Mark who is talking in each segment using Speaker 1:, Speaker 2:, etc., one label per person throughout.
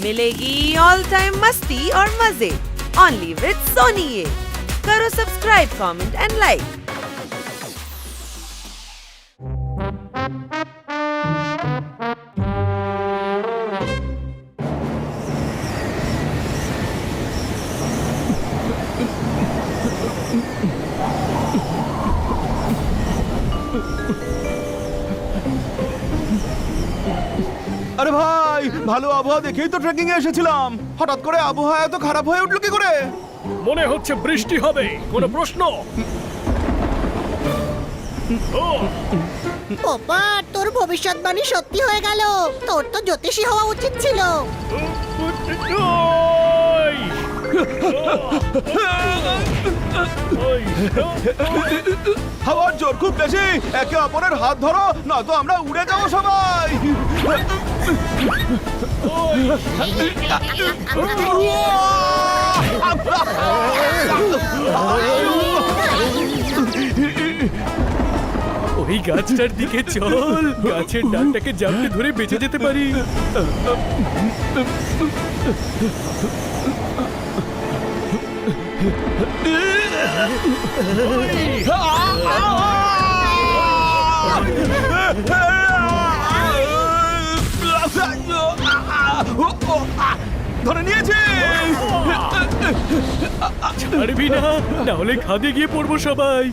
Speaker 1: मिलेगी all time मस्ती और मजे ओनली विद सोनी ये। करो सब्सक्राइब, कमेंट एंड लाइक।
Speaker 2: আরে ভাই, ভালো আবহাওয়া দেখেই তো ট্রেকিং এ এসেছিলাম। হঠাৎ করে আবহাওয়া এত খারাপ হয়ে উঠলো কি করে?
Speaker 3: মনে হচ্ছে বৃষ্টি হবে। কোনো প্রশ্ন?
Speaker 4: বাবা, তোর ভবিষ্যৎবাণী সত্যি হয়ে গেল। তোর তো জ্যোতিষী হওয়া উচিত ছিল।
Speaker 2: হাওয়ার জোর খুব বেশি। একে অপরের হাত ধরো, নয়তো আমরা উড়ে যাবো সবাই।
Speaker 3: ওই গাছটার দিকে চল, গাছের ডালটাকে জাপটে ধরে বেঁচে যেতে পারি।
Speaker 2: ধরে নিয়েছি।
Speaker 3: ছাড়বি না, না হলে খাদে গিয়ে পড়বো সবাই।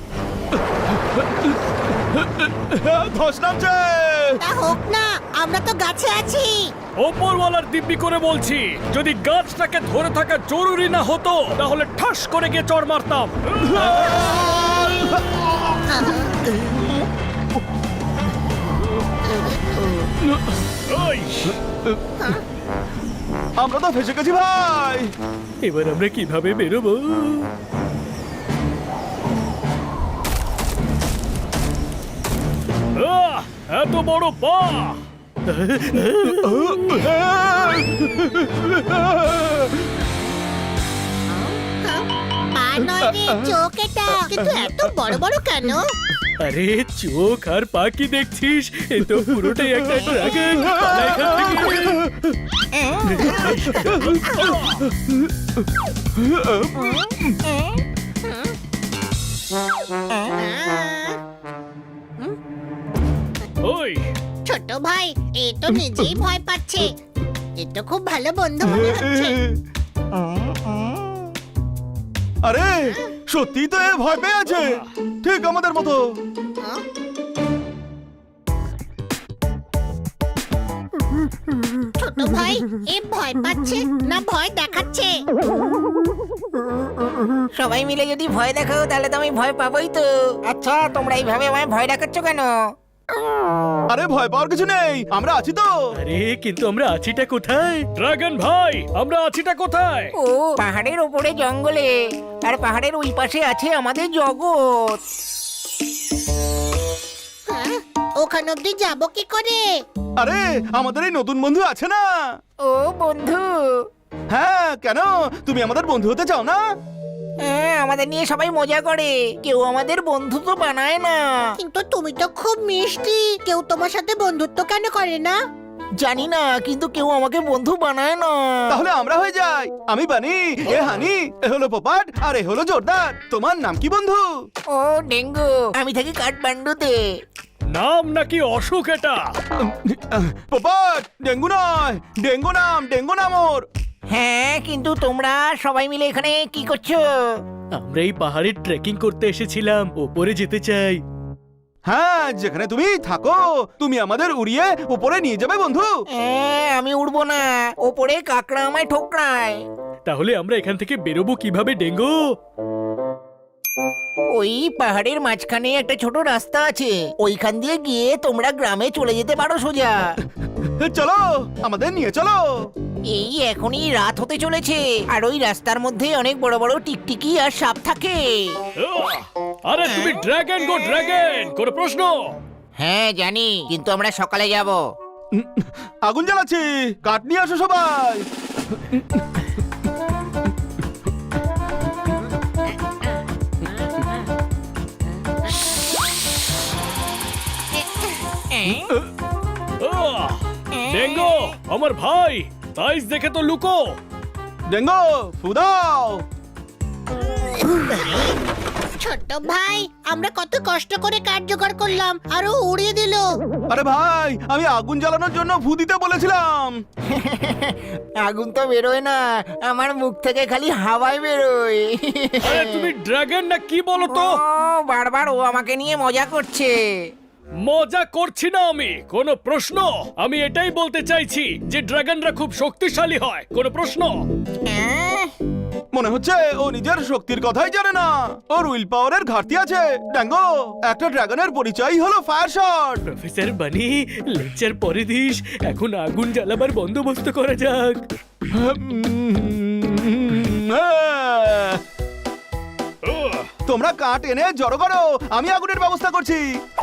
Speaker 2: ধস নামছে।
Speaker 4: তা হোক না, আমরা তো গাছে আছি।
Speaker 3: ওপরওয়ালার দিব্যি করে বলছি, যদি গাছটাকে ধরে থাকা জরুরি না হতো তাহলে ঠাস করে গিয়ে চড় মারতাম।
Speaker 2: আমরা তো ফেসে গেছি ভাই।
Speaker 3: এবার আমরা কিভাবে বেরোবো? এত বড় পা!
Speaker 4: পা নয় রে, চোখ এটা। কিন্তু এত বড় বড় কেন?
Speaker 3: আরে চোখ আর পা কি দেখছিস? এ তো পুরোটাই একটা ড্রাগন। ওই
Speaker 4: ছোট ভাই, এ তো নিজেই ভয় পাচ্ছে। এ তো খুব ভালো বন্ধু মনে হচ্ছে।
Speaker 2: আরে সত্যি তো এ ভয় পেয়ে আছে, ঠিক আমাদের মতো।
Speaker 4: ছোট ভাই, এ ভয় পাচ্ছে না ভয় দেখাচ্ছে?
Speaker 5: সবাই মিলে যদি ভয় দেখাও তাহলে তো আমি ভয় পাবোই তো। আচ্ছা, তোমরা এইভাবে আমায় ভয় দেখাচ্ছ কেন?
Speaker 2: আরে ভয় পাওয়ার কিছু নেই, আমরা আছি তো।
Speaker 3: আরে কিন্তু আমরা আছিটা কোথায়? ড্রাগন ভাই, আমরা আছিটা কোথায়?
Speaker 5: ও পাহাড়ের ওপরে জঙ্গলে, আর পাহাড়ের ওই পাশে আছে আমাদের জগৎ।
Speaker 4: হ্যাঁ? ওখান অব্দি যাবো কি করে?
Speaker 2: আরে আমাদের এই নতুন বন্ধু আছে না।
Speaker 5: ও বন্ধু।
Speaker 2: হ্যাঁ, কেন তুমি আমাদের বন্ধু হতে চাও না?
Speaker 5: হ্যাঁ, আমাদের নিয়ে সবাই মজা করে, কেউ আমাদের বন্ধু তো বানায় না।
Speaker 4: কিন্তু তুমি তো খুব মিষ্টি, কেউ তোমার সাথে বন্ধুত্ব কেন করে না?
Speaker 5: জানি না, কিন্তু কেউ আমাকে বন্ধু বানায় না।
Speaker 2: তাহলে আমরা হয়ে যাই। আমি বানি, এ হানি, এ হলো পোপাট, আর এ হলো জোরদার। তোমার নাম কি বন্ধু?
Speaker 5: ও ডেঙ্গু, আমি থাকি কাঠমান্ডুতে।
Speaker 3: নাম নাকি অসুখ এটা?
Speaker 2: পোপাট, ডেঙ্গু নয়, ডেঙ্গু নাম ওর।
Speaker 5: হ্যাঁ, কিন্তু তোমরা সবাই মিলে এখানে কি করছো?
Speaker 3: আমরা এই পাহাড়ে ট্রেকিং করতে এসেছিলাম, ওপরে যেতে চাই।
Speaker 2: হ্যাঁ, যেখানে তুমি থাকো, তুমি আমাদের উড়িয়ে উপরে নিয়ে যাবে বন্ধু।
Speaker 5: আমি উড়বো না, ওপরে কাকড়া আমায় ঠোকরায়।
Speaker 3: তাহলে আমরা এখান থেকে বেরোবো কিভাবে ডেঙ্গু?
Speaker 5: ওই পাহাড়ের মাঝখানে একটা ছোট রাস্তা আছে, ওইখান দিয়ে গিয়ে তোমরা গ্রামে চলে যেতে পারো সোজা।
Speaker 2: চলো, আমাদের নিয়ে চলো।
Speaker 5: এই এখনই রাত হতে চলেছে, আর ওই রাস্তার মধ্যে অনেক বড় বড় টিকটিকি আর সাপ থাকে।
Speaker 3: আরে তুমি ড্রাগন গো ড্রাগন, কোনো প্রশ্ন?
Speaker 5: হ্যাঁ জানি, কিন্তু আমরা সকালে যাব।
Speaker 2: আগুন জ্বালাচ্ছি, কাঠ নিয়ে আসো সবাই।
Speaker 3: ডেঙ্গু আমার ভাই, সাইজ দেখে তো লুকো।
Speaker 2: ডেঙ্গো ফুদাও।
Speaker 4: ছোট ভাই, আমরা কত কষ্ট করে কাঠ জোগাড় করলাম, আরো উড়িয়ে দিল।
Speaker 2: আরে ভাই, আমি আগুন জ্বালানোর জন্য ফু দিতে বলেছিলাম।
Speaker 5: আগুন তো বেরোয় না, আমার মুখ থেকে খালি হাওয়াই বেরোয়।
Speaker 3: আরে তুমি ড্রাগন না কি বলো তো?
Speaker 5: ও, বারবার ও আমাকে নিয়ে মজা করছে।
Speaker 3: মজা করছি না আমি, কোনো প্রশ্ন? আমি এটাই বলতে চাইছি যে ড্রাগনরা খুব শক্তিশালী হয়। কোনো প্রশ্ন?
Speaker 5: আহ,
Speaker 2: মনে হচ্ছে ও নিজের শক্তির কথাই জানে না, ওর উইল পাওয়ারের ঘাটতি আছে। ড্যাঙ্গো, একটা ড্রাগনের পরিচয় হলো ফায়ার শট।
Speaker 3: প্রফেসর বানি, লেকচার পরে দিস, এখন আগুন জ্বালাবার বন্দোবস্ত করা যাক।
Speaker 2: তোমরা কাঠ এনে জড়ো করো, আমি আগুনের ব্যবস্থা করছি।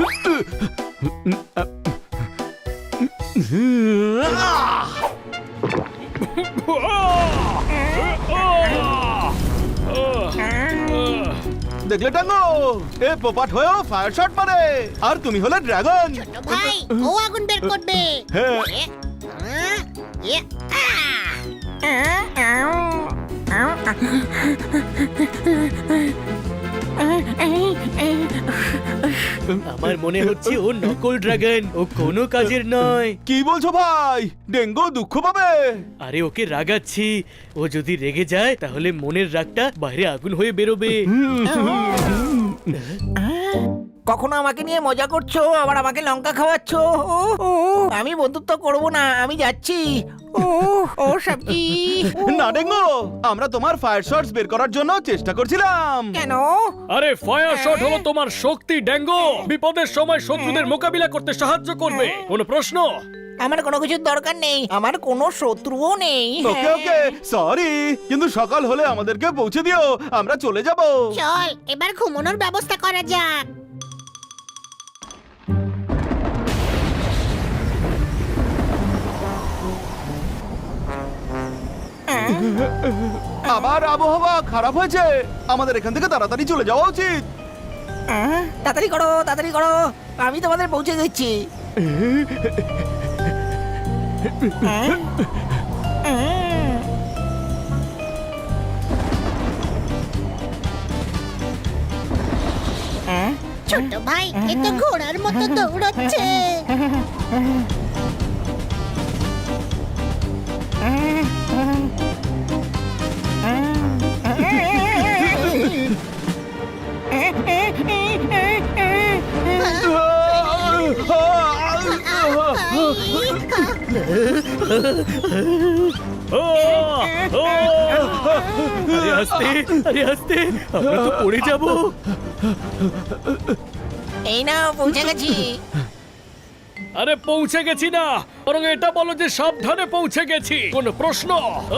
Speaker 2: দেখলে টাঙ্গো, এ পোপাট হয়েও ফায়ার শট মারে, আর তুমি হলে ড্রাগন।
Speaker 4: ছোট ভাই, ও আগুন বের করবে।
Speaker 2: হ্যাঁ।
Speaker 4: এ, এ,
Speaker 3: আমার মনে হচ্ছে ও নকল ড্রাগন, ও কোনো কাজের নয়।
Speaker 2: কি বলছো ভাই? ডেঙ্গো দুঃখ পাবে।
Speaker 3: আরে ওকে রাগাচ্ছি, ও যদি রেগে যায় তাহলে মনের রাগটা বাইরে আগুন হয়ে বেরোবে।
Speaker 5: কখনো আমাকে নিয়ে মজা করছো, আবার আমাকে লঙ্কা খাওয়াচ্ছো। ও, ও, আমি বন্ধুত্ব করব না, আমি যাচ্ছি। ও, ও সবজি।
Speaker 2: না ডেঙ্গো, আমরা তোমার ফায়ার শটস বের করার জন্য চেষ্টা করছিলাম।
Speaker 5: কেন?
Speaker 3: আরে ফায়ার শট হলো তোমার শক্তি ড্যাঙ্গো, বিপদের সময় শত্রুদের মোকাবিলা করতে সাহায্য করবে। কোনো প্রশ্ন?
Speaker 5: আমার কোনো কিছুর দরকার নেই, আমার কোনো শত্রুও নেই।
Speaker 2: ওকে ওকে, সরি, কিন্তু সকাল হলে আমাদেরকে পৌঁছে দিও, আমরা চলে যাব।
Speaker 4: চল এবার ঘুমানোর ব্যবস্থা করা যাক।
Speaker 2: আবার আবহাওয়া খারাপ হয়েছে, আমাদের এখান থেকে তাড়াতাড়ি চলে যাওয়া উচিত।
Speaker 5: তাড়াতাড়ি করো, তাড়াতাড়ি করো, আমি তোমাদের পৌঁছে দিচ্ছি।
Speaker 4: ছোট ভাই, এ তো ঘোড়ার মতো দৌড়চ্ছে।
Speaker 3: ও, ও! আরে আস্তে, আরে আস্তে, আমরা তো পড়ে যাব।
Speaker 5: এই না, পৌঁছে গেছি।
Speaker 3: আরে পৌঁছে গেছি না, বরং এটা বলো যে সাবধানে পৌঁছে গেছি। কোনো প্রশ্ন?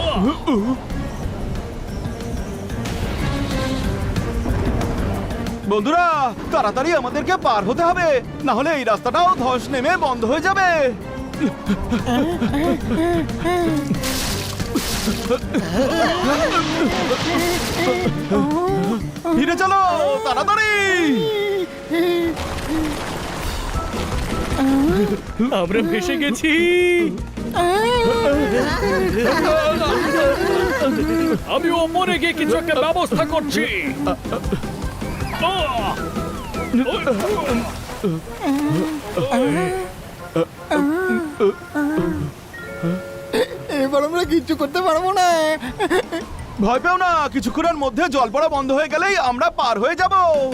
Speaker 2: বন্ধুরা, তাড়াতাড়ি আমাদেরকে পার হতে হবে, না হলে এই রাস্তাটাও ধস নেমে বন্ধ হয়ে যাবে। ফিরে চলো তাড়াতাড়ি।
Speaker 3: আমরা ভেসে গেছি। আমি ওপরে গিয়ে কিছু একটা ব্যবস্থা করছি।
Speaker 5: এবার আমরা কিচ্ছু করতে পারবো না।
Speaker 2: ভয় পেও না, কিছুক্ষণের মধ্যে জল পড়া বন্ধ হয়ে গেলেই আমরা পার হয়ে যাব।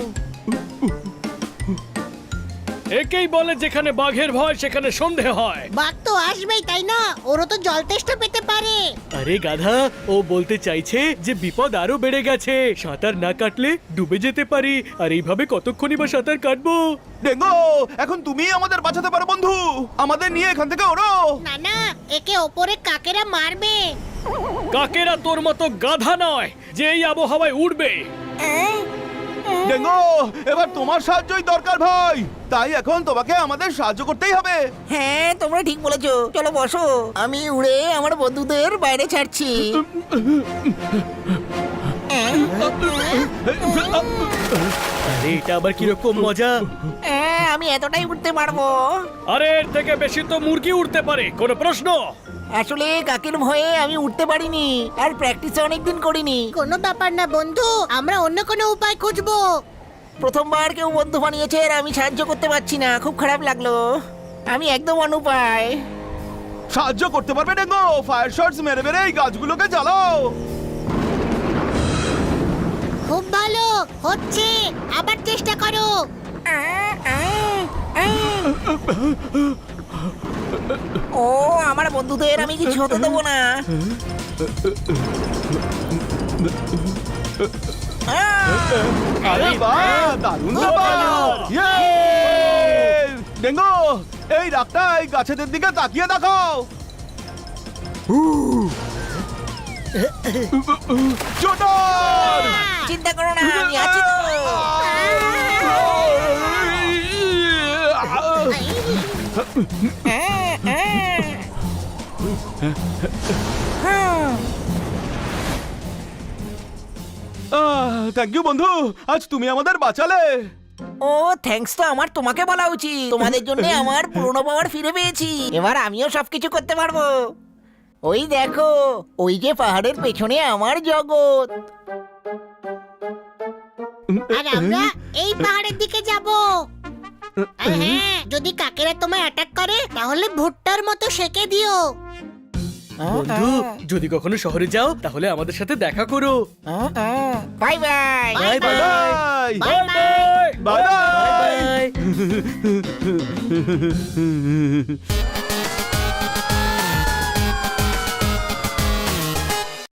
Speaker 3: একেই বলে যেখানে বাঘের ভয় সেখানে সন্দেহ হয়।
Speaker 4: বাঘ তো আসবেই, তাই না? ওরও তো জল তেষ্টা পেতে পারে।
Speaker 3: আরে গাধা, ও বলতে চাইছে যে বিপদ আরো বেড়ে গেছে, সাঁতার না কাটলে ডুবে যেতে পারি। আর এইভাবে কতক্ষণই বা সাঁতার কাটবো?
Speaker 2: ডেঙ্গো, এখন তুমি আমাদের বাঁচাতে পারো বন্ধু, আমাদের নিয়ে এখান থেকে ওড়ো।
Speaker 4: না না, একে ওপরে কাকেরা মারবে।
Speaker 3: কাকেরা তোর মতো গাধা নয় যে এই আবহাওয়ায় উড়বে।
Speaker 2: ডেঙ্গো, এবার তোমার সাহায্যই দরকার ভাই, তাই এখন তোমাকে আমাদের সাহায্য করতেই হবে।
Speaker 5: হ্যাঁ, তোমরা ঠিক বলেছো, চলো বসো, আমি উড়ে আমার বন্ধুদের বাইরে ছাড়ছি।
Speaker 3: আরে এটা আবার কিরকম মজা?
Speaker 5: হ্যাঁ, আমি এতটাই উঠতে পারবো।
Speaker 3: আরে এর থেকে বেশি তো মুরগি উড়তে পারে। কোনো প্রশ্ন?
Speaker 5: আসলে কাকের ভয়ে আমি উঠতে পারিনি আর প্র্যাকটিস অনেকদিন করিনি।
Speaker 4: কোনো ব্যাপার না বন্ধু, আমরা অন্য কোনো উপায় খুঁজবো।
Speaker 5: প্রথমবার কেউ বন্ধু বানিয়েছে আর আমি সাহায্য করতে পারছি না, খুব খারাপ লাগলো। আমি একদম অনুপায়।
Speaker 2: সাহায্য করতে পারবে ড্যাঙ্গো? ফায়ার শটস মেরে মেরে এই গাছগুলোকে জ্বালাও।
Speaker 4: খুব ভালো হচ্ছে, আবার চেষ্টা করো।
Speaker 5: ও আমার বন্ধুদের আমি কিছু হতে দেবো না।
Speaker 2: আরে বাহ, দারুণ ব্যাপার। ইয়ে! ড্যাঙ্গো, এই রাগটা এই গাছেদের দিকে তাকিয়ে দেখাও। চোটার!
Speaker 5: চিন্তা করো না, আমি আছি তো।
Speaker 2: থ্যাংক ইউ বন্ধু, আজ তুমি আমাদের বাঁচালে।
Speaker 5: ও থ্যাঙ্কস তো আমার তোমাকে বলা উচিত। তোমাদের জন্য আমার পুরনো পাওয়ার ফিরে পেয়েছি, এবার আমিও সবকিছু করতে পারবো। ওই দেখো, ওই যে পাহাড়ের পেছনে আমার জগৎ।
Speaker 4: আর আমরা এই পাহাড়ের দিকে যাব। আর হ্যাঁ, যদি কাকেরা তোমায় অ্যাটাক করে তাহলে ভুট্টার মতো সেকে দিও।
Speaker 3: বন্ধু, যদি কখনো শহরে যাও তাহলে আমাদের সাথে দেখা করো।
Speaker 5: Bye bye.
Speaker 3: Bye bye.
Speaker 2: Bye
Speaker 4: bye bye.
Speaker 2: Bye bye.
Speaker 3: By.